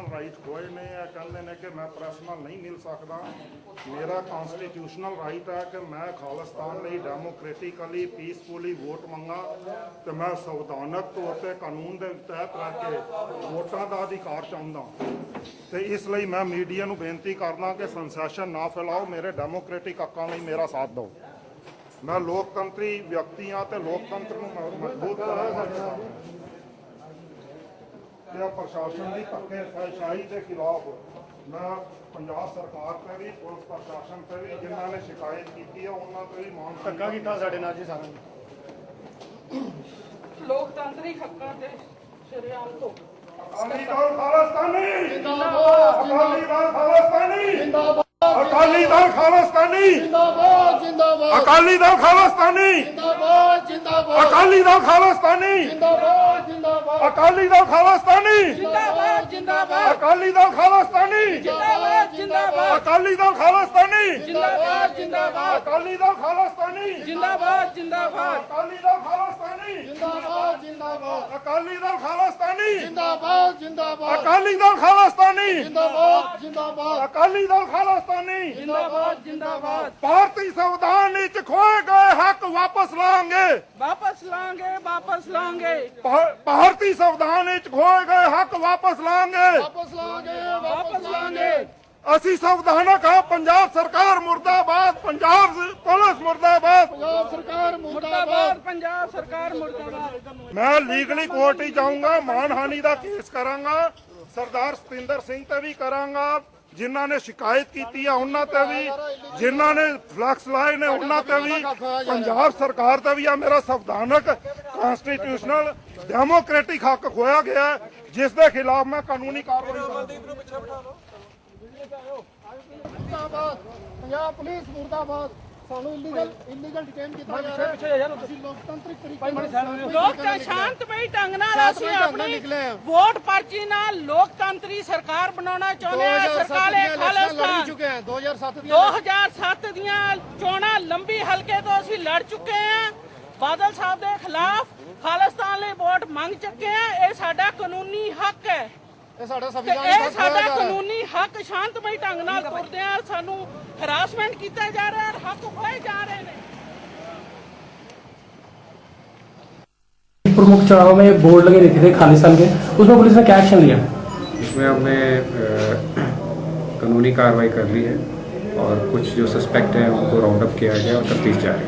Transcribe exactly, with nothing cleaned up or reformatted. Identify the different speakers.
Speaker 1: Right ਹੋਏ ਨੇ ਆ ਕਹਿੰਦੇ ਨੇ ਕਿ ਮੈਂ ਪ੍ਰੈਸ ਨਾਲ ਨਹੀਂ ਮਿਲ ਸਕਦਾ। ਮੇਰਾ ਕਨਸਟੀਟਿਊਸ਼ਨਲ ਰਾਈਟ ਹੈ ਕਿ ਮੈਂ ਖਾਲਿਸਤਾਨ ਲਈ ਡੈਮੋਕ੍ਰੈਟਿਕਲੀ ਪੀਸਫੁਲੀ ਵੋਟ ਮੰਗਾ ਤੇ ਮੈਂ ਸੰਵਿਧਾਨਕ ਤੌਰ ਤੇ ਕਾਨੂੰਨ ਦੇ ਤਹਿਤ ਰਹਿ ਕੇ ਵੋਟਾਂ ਦਾ ਅਧਿਕਾਰ ਚਾਹੁੰਦਾ ਤੇ ਇਸ ਲਈ ਮੈਂ ਮੀਡੀਆ ਨੂੰ ਬੇਨਤੀ ਕਰਦਾ ਕਿ ਸੈਂਸੇਸ਼ਨ ਨਾ ਫੈਲਾਓ, ਮੇਰੇ ਡੈਮੋਕ੍ਰੈਟਿਕ ਹੱਕਾਂ ਲਈ ਮੇਰਾ ਸਾਥ ਦਿਓ। ਮੈਂ ਲੋਕਤੰਤਰੀ ਵਿਅਕਤੀ ਹਾਂ ਤੇ ਲੋਕਤੰਤਰ ਨੂੰ ਮਜ਼ਬੂਤ ਕਰਨਾ ਤੇ ਪ੍ਰਸ਼ਾਸਨ ਦੀ ਧੱਕੇਸ਼ਾਹੀ ਦੇ ਖਿਲਾਫ ਮੈਂ ਪੰਜਾਬ ਸਰਕਾਰ ਤੇ ਵੀ ਪੁਲਿਸ ਪ੍ਰਸ਼ਾਸਨ ਤੇ ਵੀ ਜਿਨ੍ਹਾਂ ਨੇ ਸ਼ਿਕਾਇਤ ਕੀਤੀ ਹੈ ਉਹਨਾਂ ਤੇ ਵੀ ਮਾਨ ਧੱਕਾ ਕੀਤਾ ਸਾਡੇ ਨਾਲ ਜੀ ਸਾਰਾ
Speaker 2: ਲੋਕਤੰਤਰੀ ਹੱਕਾਂ ਤੇ ਸ਼ਰੇਆਮ ਤੋਂ
Speaker 1: ਅਕਾਲੀ ਦਲ ਖਾਲਿਸਤਾਨੀ ਜਿੰਦਾਬਾਦ, ਅਕਾਲੀ ਦਲ ਖਾਲਿਸਤਾਨੀ ਜਿੰਦਾਬਾਦ, ਅਕਾਲੀ ਦਲ ਖਾਲਿਸਤਾਨੀ
Speaker 3: ਜਿੰਦਾਬਾਦ ਜਿੰਦਾਬਾਦ,
Speaker 1: ਅਕਾਲੀ ਦਲ ਖਾਲਿਸਤਾਨੀ
Speaker 3: ਜਿੰਦਾਬਾਦ ਜਿੰਦਾਬਾਦ,
Speaker 1: ਅਕਾਲੀ ਦਲ ਖਾਲਿਸਤਾਨੀ
Speaker 3: ਜਿੰਦਾਬਾਦ ਜਿੰਦਾਬਾਦ,
Speaker 1: ਅਕਾਲੀ ਦਲ ਖਾਲਿਸਤਾਨੀ
Speaker 2: ਜਿੰਦਾਬਾਦ ਜਿੰਦਾਬਾਦ,
Speaker 1: ਅਕਾਲੀ ਦਲ ਖਾਲਿਸਤਾਨੀ
Speaker 2: ਜਿੰਦਾਬਾਦ ਜਿੰਦਾਬਾਦ,
Speaker 1: ਅਕਾਲੀ ਦਲ ਖਾਲਿਸਤਾਨੀ
Speaker 2: ਜਿੰਦਾਬਾਦ ਜਿੰਦਾਬਾਦ,
Speaker 1: ਅਕਾਲੀ ਦਲ ਖਾਲਿਸਤਾਨੀ
Speaker 2: ਜਿੰਦਾਬਾਦ ਜਿੰਦਾਬਾਦ,
Speaker 1: ਅਕਾਲੀ ਦਲ ਖਾਲਿਸਤਾਨੀ
Speaker 3: ਜਿੰਦਾਬਾਦ ਜਿੰਦਾਬਾਦ,
Speaker 1: ਅਕਾਲੀ ਦਲ ਖਾਲਿਸਤਾਨੀ
Speaker 3: ਜਿੰਦਾਬਾਦ ਜਿੰਦਾਬਾਦ,
Speaker 1: ਅਕਾਲੀ ਦਲ ਖਾਲਿਸਤਾਨੀ
Speaker 3: ਜਿੰਦਾਬਾਦ ਜਿੰਦਾਬਾਦ,
Speaker 1: ਅਕਾਲੀ ਦਲ ਖਾਲਿਸਤਾਨੀ
Speaker 2: ਜਿੰਦਾਬਾਦ ਜਿੰਦਾਬਾਦ।
Speaker 1: ਭਾਰਤੀ ਸੰਵਿਧਾਨ ਵਿੱਚ ਖੋਏ ਗਏ ਹੱਕ ਵਾਪਸ ਲਾਂਗੇ।
Speaker 2: ਵਾਪਸ ਲਾਂਗੇ ਵਾਪਸ ਲਾਂਗੇ
Speaker 1: ਭਾ- ਭਾਰਤੀ ਸੰਵਿਧਾਨ ਵਿੱਚ ਖੋਏ ਗਏ ਹੱਕ ਵਾਪਸ ਲਾਂਗੇ।
Speaker 3: ਵਾਪਸ ਲਾਂਗੇ
Speaker 2: ਵਾਪਸ ਲਾਂਗੇ।
Speaker 1: ਅਸੀਂ ਸੰਵਿਧਾਨਕ ਹਾਂ। ਪੰਜਾਬ ਸਰਕਾਰ ਮੁਰਦਾਬਾਦ, ਪੰਜਾਬ ਪੁਲਿਸ ਮੁਰਦਾਬਾਦ।
Speaker 3: ਪੰਜਾਬ ਸਰਕਾਰ ਮੁਰਦਾਬਾਦ।
Speaker 2: ਮੁਰਦਾਬਾਦ, ਪੰਜਾਬ ਸਰਕਾਰ ਮੁਰਦਾਬਾਦ।
Speaker 1: ਮੈਂ ਲੀਗਲੀ ਕੋਰਟ ਹੀ ਜਾਊਂਗਾ, ਮਾਨਹਾਨੀ ਦਾ ਕੇਸ ਕਰਾਂਗਾ, ਸਰਦਾਰ ਸਤਿੰਦਰ ਸਿੰਘ ਤੇ ਵੀ ਕਰਾਂਗਾ, ਜਿਨ੍ਹਾਂ ਨੇ ਸ਼ਿਕਾਇਤ ਕੀਤੀ ਆ ਉਹਨਾਂ ਤੇ ਵੀ, ਜਿਨ੍ਹਾਂ ਨੇ ਫਲੈਕਸ ਲਾਏ ਨੇ ਉਹਨਾਂ ਤੇ ਵੀ, ਪੰਜਾਬ ਸਰਕਾਰ ਤੇ ਵੀ ਆ। ਮੇਰਾ ਸੰਵਿਧਾਨਕ ਕਨਸਟੀਟਿਊਸ਼ਨਲ ਡੈਮੋਕ੍ਰੈਟਿਕ ਹੱਕ ਖੋਇਆ ਗਿਆ ਜਿਸ ਦੇ ਖਿਲਾਫ ਮੈਂ ਕਾਨੂੰਨੀ ਕਾਰਵਾਈ ਕਰਾਂਗਾ।
Speaker 3: ਮੁਰਦਾਬਾਦ, ਪੰਜਾਬ ਪੁਲਿਸ ਮੁਰਦਾਬਾਦ। ਸਾਨੂੰ ਇਲੀਗਲ ਇਲੀਗਲ ਡਿਟੇਨ ਕੀਤਾ ਜਾ ਰਿਹਾ ਹੈ। ਅਸੀਂ ਲੋਕਤੰਤਰਿਕ ਤਰੀਕੇ ਨਾਲ
Speaker 2: ਲੋਕ ਤਾਂ ਸ਼ਾਂਤਮਈ ਢੰਗ ਨਾਲ ਅਸੀਂ ਆਪਣੀ ਵੋਟ ਪਰਚੀ ਨਾਲ ਲੋਕਤੰਤਰੀ ਸਰਕਾਰ ਬਣਾਉਣਾ ਚਾਹੁੰਦੇ ਹਾਂ। ਸਰਕਾਰੇ ਖਾਲਿਸਤਾਨ
Speaker 3: ਚੁੱਕੇ ਹਾਂ ਦੋ ਹਜ਼ਾਰ ਸੱਤ
Speaker 2: ਦੋ ਹਜ਼ਾਰ ਸੱਤ ਦੀਆਂ ਚੋਣਾਂ ਲੰਬੀ ਹਲਕੇ ਤੋਂ ਅਸੀਂ ਲੜ ਚੁੱਕੇ ਹਾਂ। ਬਾਦਲ ਸਾਹਿਬ ਦੇ ਖਿਲਾਫ ਖਾਲਿਸਤਾਨ ਲਈ ਵੋਟ ਮੰਗ ਚੁੱਕੇ ਹਾਂ। ਇਹ ਸਾਡਾ ਕਾਨੂੰਨੀ ਹੱਕ ਹੈ
Speaker 3: ਇਹ ਸਾਡਾ
Speaker 2: ਤੇ
Speaker 3: ਸੰਵਿਧਾਨ
Speaker 2: ਇਹ ਸਾਡਾ ਕਾਨੂੰਨੀ ਹੱਕ ਸ਼ਾਂਤਮਈ ਢੰਗ ਨਾਲ ਤੁਰਦੇ ਆ। ਸਾਨੂੰ ਹਰਾਸਮੈਂਟ ਕੀਤਾ ਜਾ ਰਿਹਾ ਹੈ, ਹੱਕ ਖੋਏ ਜਾ ਰਹੇ ਨੇ।
Speaker 4: प्रमुख चौराहों में बोर्ड लगे रहते थे खालिस्तान के, उसमें पुलिस ने क्या एक्शन लिया?
Speaker 5: इसमें हमने कानूनी कार्रवाई कर ली है और कुछ जो सस्पेक्ट हैं उनको राउंड अप किया गया और तफ्तीश जारी है।